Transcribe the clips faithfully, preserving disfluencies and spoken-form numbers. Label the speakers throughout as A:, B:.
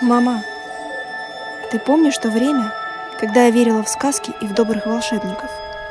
A: Мама, ты помнишь то время, когда я верила в сказки и в добрых волшебников?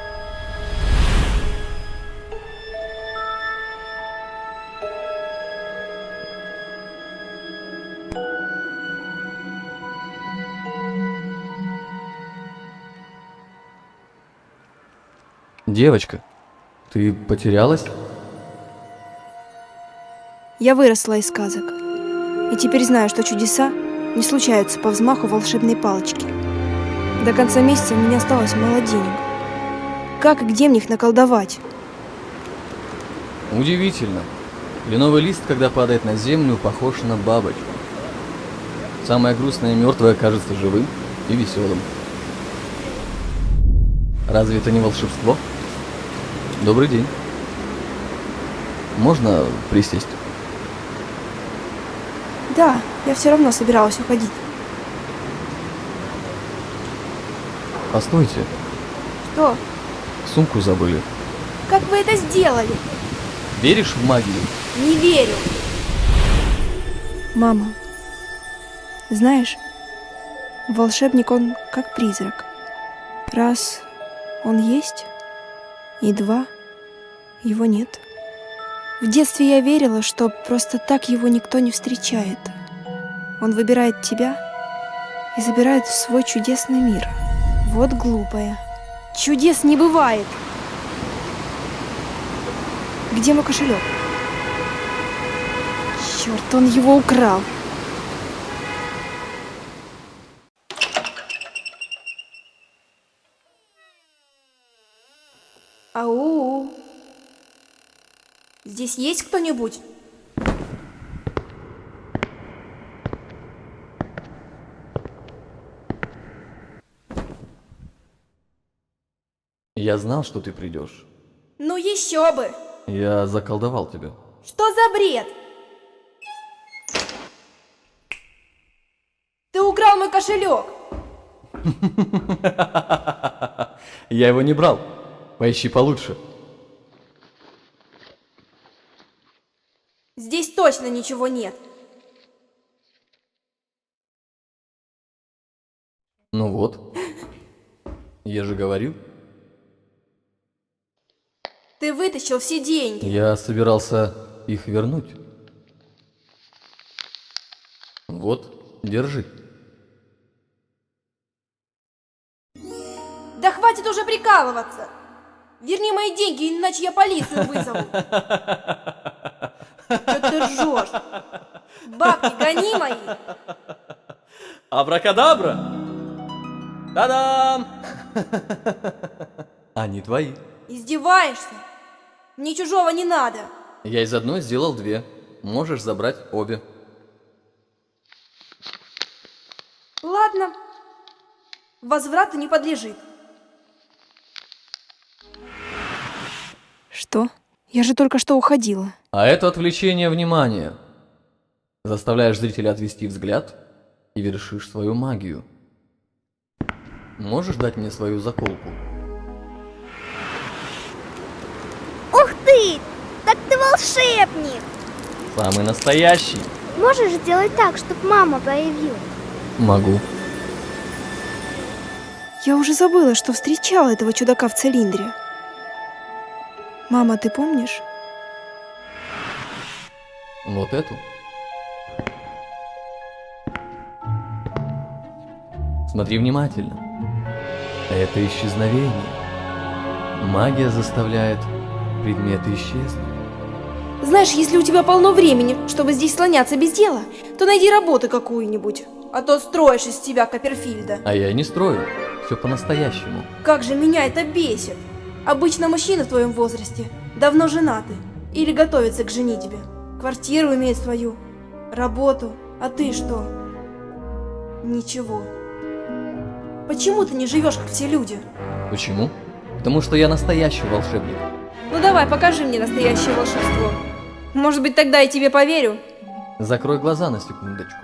B: Девочка, ты потерялась?
A: Я выросла из сказок. И теперь знаю, что чудеса не случаются по взмаху волшебной палочки. До конца месяца у меня осталось мало денег. Как и где мне их наколдовать?
B: Удивительно. Кленовый лист, когда падает на землю, похож на бабочку. Самое грустное и мертвое кажется живым и веселым. Разве это не волшебство? Добрый день. Можно присесть?
A: Да, я все равно собиралась уходить.
B: Постойте,
A: Что?
B: сумку забыли.
A: Как вы это сделали?
B: Веришь в магию?
A: Не верю. Мама, знаешь, волшебник он как призрак. Раз он есть, и два его нет. В детстве я верила, что просто так его никто не встречает. Он выбирает тебя и забирает в свой чудесный мир. Вот глупая. Чудес не бывает. Где мой кошелек? Черт, он его украл. Ау. Здесь есть кто-нибудь?
B: Я знал, что ты придешь.
A: Ну еще бы!
B: Я заколдовал тебя.
A: Что за бред? Ты украл мой кошелек!
B: Я его не брал. Поищи получше.
A: Здесь точно ничего нет.
B: Ну вот. Я же говорил.
A: Ты вытащил все деньги.
B: Я собирался их вернуть. Вот, держи.
A: Да хватит уже прикалываться! Верни мои деньги, иначе я полицию вызову. Что ты ржешь? Бабки гони мои!
B: Абракадабра! Та-дам! Они твои.
A: Издеваешься? Мне чужого не надо.
B: Я из одной сделал две. Можешь забрать обе.
A: Ладно. Возврату не подлежит. Что? Я же только что уходила.
B: А это отвлечение внимания. Заставляешь зрителя отвести взгляд и вершишь свою магию. Можешь дать мне свою заколку?
C: Ух ты! Так ты волшебник!
B: Самый настоящий.
C: Можешь сделать так, чтобы мама появилась?
B: Могу.
A: Я уже забыла, что встречала этого чудака в цилиндре. Мама, ты помнишь?
B: Вот эту. Смотри внимательно. Это исчезновение. Магия заставляет предметы исчезнуть.
A: Знаешь, если у тебя полно времени, чтобы здесь слоняться без дела, то найди работу какую-нибудь. А то строишь из себя Копперфильда.
B: А я не строю. Все по-настоящему.
A: Как же меня это бесит. Обычно мужчины в твоем возрасте давно женаты или готовятся к женитьбе. Квартиру имеют свою, работу. А ты что? Ничего. Почему ты не живешь, как все люди?
B: Почему? Потому что я настоящий волшебник.
A: Ну давай, покажи мне настоящее волшебство. Может быть, тогда я тебе поверю.
B: Закрой глаза на секундочку.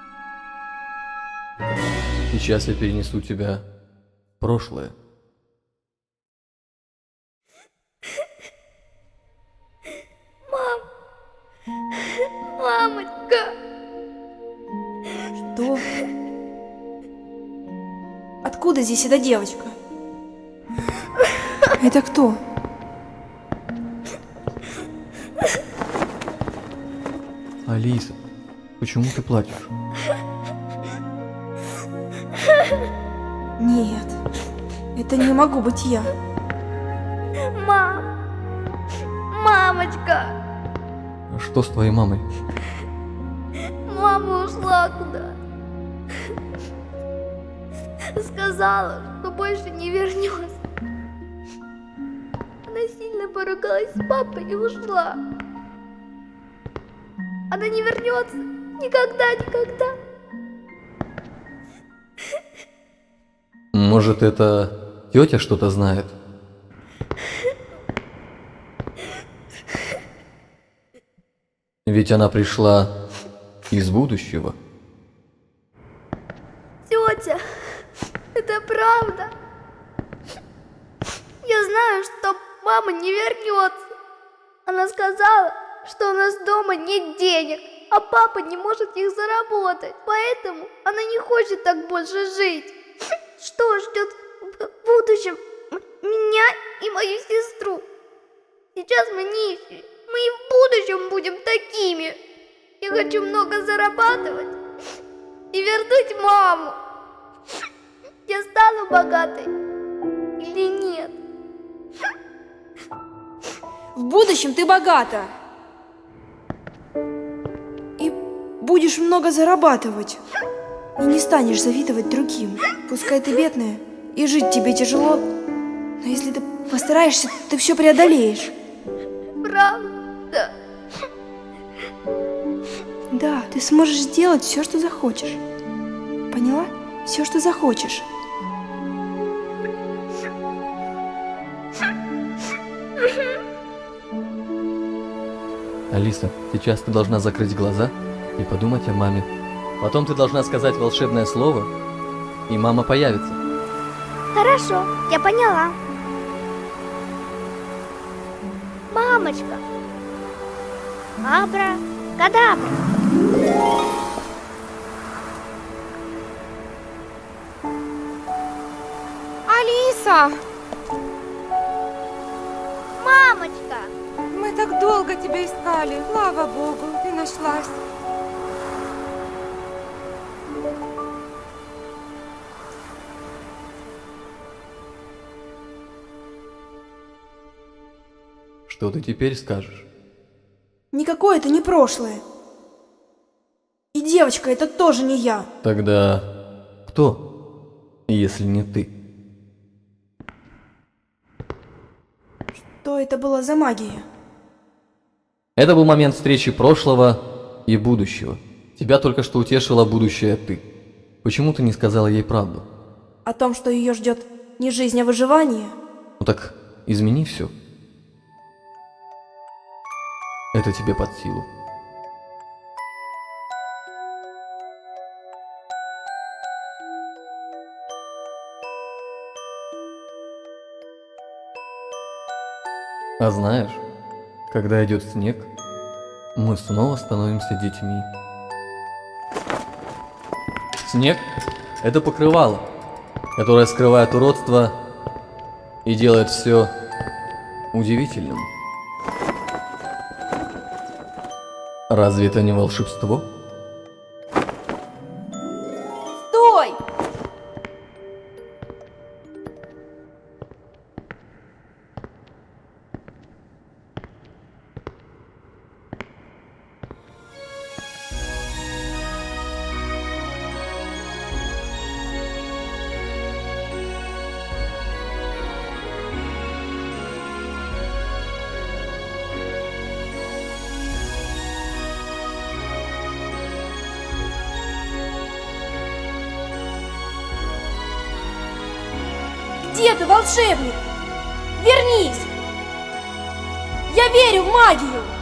B: Сейчас я перенесу тебя в прошлое.
C: Мамочка!
A: Что? откуда здесь эта девочка? Это кто?
B: Алиса, почему ты плачешь?
A: Нет, это не могу быть я.
C: Мам! Мамочка!
B: А что с твоей мамой?
C: Мама ушла куда? Сказала, что больше не вернется. Она сильно поругалась с папой и ушла. Она не вернется никогда, никогда.
B: Может, это тетя что-то знает? Ведь она пришла из будущего.
C: Тетя, это правда. Я знаю, что мама не вернется. Она сказала, что у нас дома нет денег, а папа не может их заработать. Поэтому она не хочет так больше жить. Что ждет в будущем меня и мою сестру? Сейчас мы нищие. Мы и в будущем будем такими. Я хочу много зарабатывать и вернуть маму. Я стану богатой или нет?
A: В будущем ты богата. И будешь много зарабатывать. И не станешь завидовать другим. Пускай ты бедная, и жить тебе тяжело. Но если ты постараешься, ты все преодолеешь.
C: Правда?
A: Да, ты сможешь сделать все, что захочешь. Поняла? Все, что захочешь.
B: Алиса, сейчас ты должна закрыть глаза и подумать о маме. Потом ты должна сказать волшебное слово, и мама появится.
C: Хорошо, я поняла. Мамочка. Абра, кадабра.
D: Алиса,
C: Мамочка.
D: мы так долго тебя искали. Слава Богу, ты нашлась.
B: Что ты теперь скажешь?
A: Никакое это не прошлое. И девочка, это тоже не я.
B: Тогда кто, если не ты?
A: Что это была за магия?
B: Это был момент встречи прошлого и будущего. Тебя только что утешила будущее ты. Почему ты не сказала ей правду?
A: О том, что ее ждет не жизнь, а выживание?
B: Ну так измени все. Это тебе под силу. А знаешь, когда идет снег, мы снова становимся детьми. Снег – это покрывало, которое скрывает уродство и делает все удивительным. Разве это не волшебство?
A: Стой! Где ты, волшебник? Вернись! Я верю в магию!